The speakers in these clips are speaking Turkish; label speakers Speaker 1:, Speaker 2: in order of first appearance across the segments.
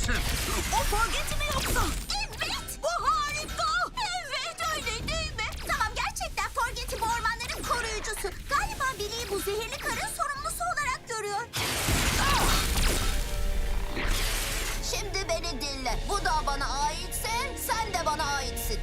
Speaker 1: misin?
Speaker 2: O Forget'i mi yoksa? Evet. Bu harika. Evet öyle değil mi? Tamam gerçekten Forget'i bu ormanların koruyucusu. Galiba Billy'yi bu zehirli karın sorumlusu olarak görüyor. Şimdi beni dinle. Bu dağ bana aitse sen de bana aitsin.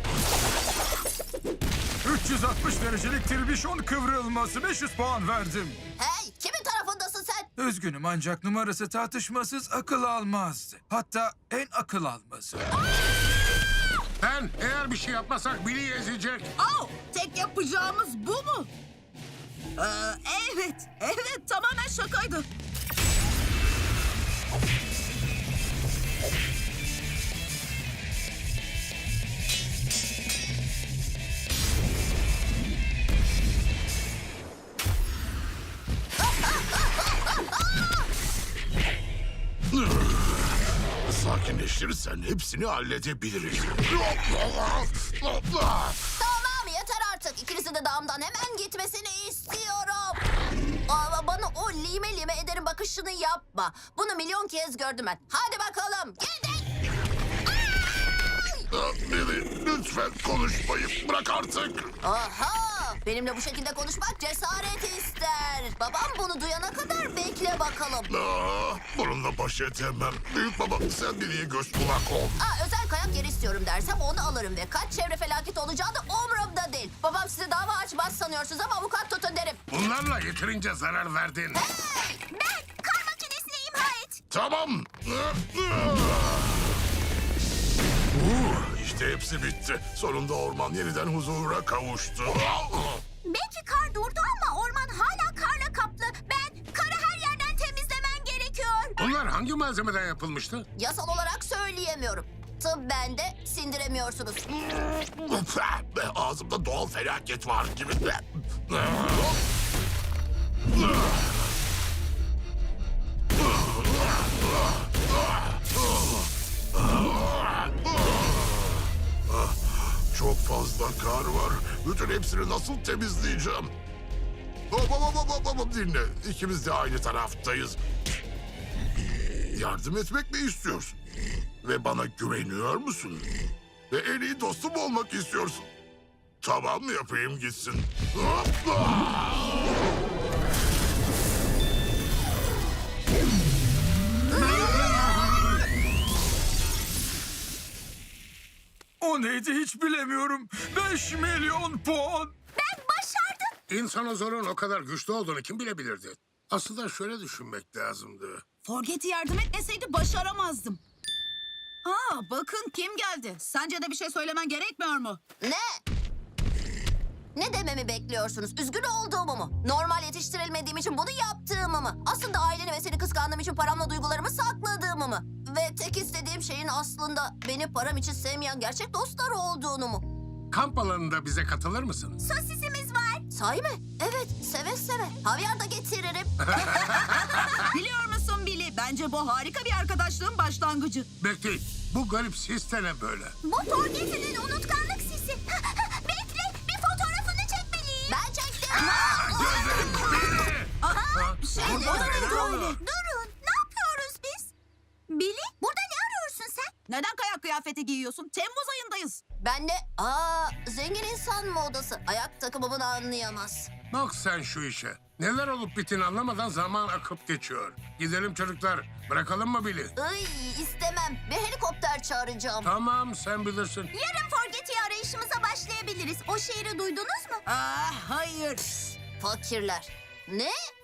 Speaker 3: 360 derecelik tirbişon kıvrılması 500 puan verdim.
Speaker 2: Hey, kimin tarafındasın sen?
Speaker 3: Üzgünüm ancak numarası tartışmasız akıl almazdı. Hatta en akıl almazı.
Speaker 1: Ben eğer bir şey yapmasak Billy'yi ezecek.
Speaker 4: Tek yapacağımız bu mu? Evet tamamen şakaydı.
Speaker 5: Sakinleştirirsen hepsini halledebiliriz.
Speaker 2: Tamam yeter artık. İkinizin de dağımdan hemen gitmesini istiyorum. Ama bana o lime lime ederim bakışını yapma. Bunu milyon kez gördüm ben. Hadi bakalım gidin.
Speaker 5: Billy, lütfen konuşmayı bırak artık.
Speaker 2: Aha! Benimle bu şekilde konuşmak cesaret ister. Babam bunu duyana kadar bekle bakalım.
Speaker 5: Bununla baş edemem. Büyük baba sen Billy'ye göz kulak ol.
Speaker 2: Özel kayak yeri istiyorum dersem onu alırım ve kaç çevre felaketi olacağı da umurumda değil. Babam size dava açmaz sanıyorsunuz ama avukat tutun derim.
Speaker 1: Bunlarla yeterince zarar verdin.
Speaker 2: Hey! Ben kar makinesini imha et.
Speaker 5: Tamam. İşte hepsi bitti. Sonunda orman yeniden huzura kavuştu.
Speaker 2: Belki kar durdu ama orman hala karla kaplı. Ben karı her yerden temizlemen gerekiyor.
Speaker 1: Bunlar hangi malzemeden yapılmıştı?
Speaker 2: Yasal olarak söyleyemiyorum. Tıbben de sindiremiyorsunuz.
Speaker 5: Ağzımda doğal felaket var gibi. Çok fazla kar var. Bütün hepsini nasıl temizleyeceğim? Hop, dinle. İkimiz de aynı taraftayız. Yardım etmek mi istiyorsun? Ve bana güveniyor musun? Ve en iyi dostum olmak istiyorsun. Tamam yapayım gitsin. Hopla!
Speaker 3: O neydi hiç bilemiyorum. 5 milyon puan.
Speaker 2: Ben başardım.
Speaker 1: İnsanozorun o kadar güçlü olduğunu kim bilebilirdi? Aslında şöyle düşünmek lazımdı.
Speaker 4: Forget'i yardım etmeseydi başaramazdım. Bakın kim geldi. Sence de bir şey söylemen gerekmiyor mu?
Speaker 2: Ne? Ne dememi bekliyorsunuz? Üzgün olduğumu mu? Normal yetiştirilmediğim için bunu yaptığımı mı? Aslında aileni ve seni kıskandığım için paramla duygularımı sakladığımı mı? Ve tek istediğim şeyin aslında beni param için sevmeyen gerçek dostlar olduğunu mu?
Speaker 1: Kamp alanında bize katılır mısın?
Speaker 2: Sosisimiz var. Sahi mi? Evet, seve seve. Havyar da getiririm.
Speaker 4: Biliyor musun Billy? Bence bu harika bir arkadaşlığın başlangıcı.
Speaker 1: Bekleyin. Bu garip sis de ne böyle?
Speaker 2: Bu Forget'in unutkanlık sisi. Bekle, bir fotoğrafını çekmeliyim. Ben çektim. Durun, ne yapıyoruz biz? Billy, burada ne arıyorsun sen?
Speaker 4: Neden kayak kıyafeti giyiyorsun? Temmuz ayındayız.
Speaker 2: Ben de, zengin insan modası. Ayak takımımı da anlayamaz.
Speaker 1: Bak sen şu işe. Neler olup bittiğini anlamadan zaman akıp geçiyor. Gidelim çocuklar. Bırakalım mı Billy?
Speaker 2: Ay, istemem. Bir helikopter çağıracağım.
Speaker 1: Tamam sen bilirsin.
Speaker 2: Yarın Forget'i arayışımıza başlayabiliriz. O şehri duydunuz mu?
Speaker 4: Hayır.
Speaker 2: Fakirler. Ne?